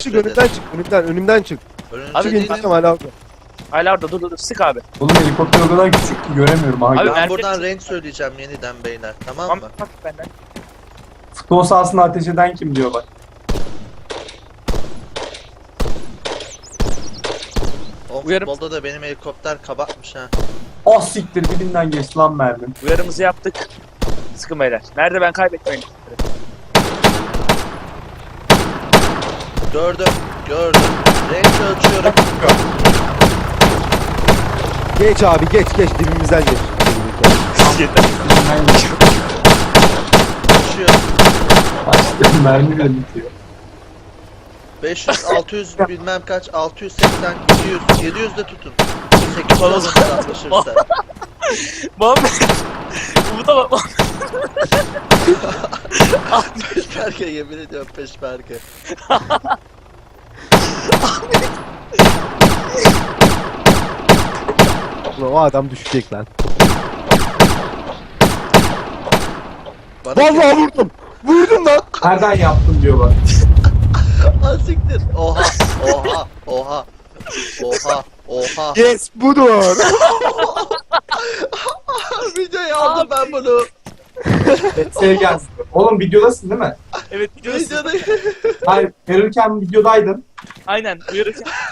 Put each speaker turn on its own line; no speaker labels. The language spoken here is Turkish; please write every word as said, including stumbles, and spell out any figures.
Çık önümden çık, önümden, önümden çık.
Önünüzde
Abi,
Çık
değilim.
ineceğim hala orada.
Hala orada dur dur dur sık abi.
Oğlum helikopter o kadar küçük ki göremiyorum. Aha,
Abi,
gör-
Ben
Merkez-
buradan renk söyleyeceğim yeniden beyler, tamam
Tamam
mı?
bak benden.
Futbol sahasında ateş eden kim diyor bak.
O
Uyarım.
futbolda da benim helikopter kabakmış ha.
Ah siktir dibinden geçti lan mermim.
Uyarımızı yaptık. Sıkın beyler. Nerede ben kaybetmeyin.
Gördüm, gördüm. Renk ölçüyorum.
Geç abi, geç, geç, dibimizden geç.
Dibinden geçti.
Ölçüyorum.
Başka mermi de bitiyor.
beş yüz, altı yüz bilmem kaç, altı yüz seksen, yedi yüz, yedi yüz de tutun. sekiz yüz alırsa anlaşırsa.
Muhammed. Umut'a bak.
Peşmerge, yemin ediyorum peşmerge.
Ulan o adam düşecek lan.
Bana
Vallahi vurdum. Vurdum lan.
Nereden yaptın diyor bak.
Ah siktir. Oha, oha, oha. Oha, oha.
Yes, budur.
Videoyu aldım ben bunu.
Şey gelsin. Oğlum videodasın değil mi?
Evet gidiyoruz.
Videoda...
Hayır verirken videodaydın.
Aynen uyarırken.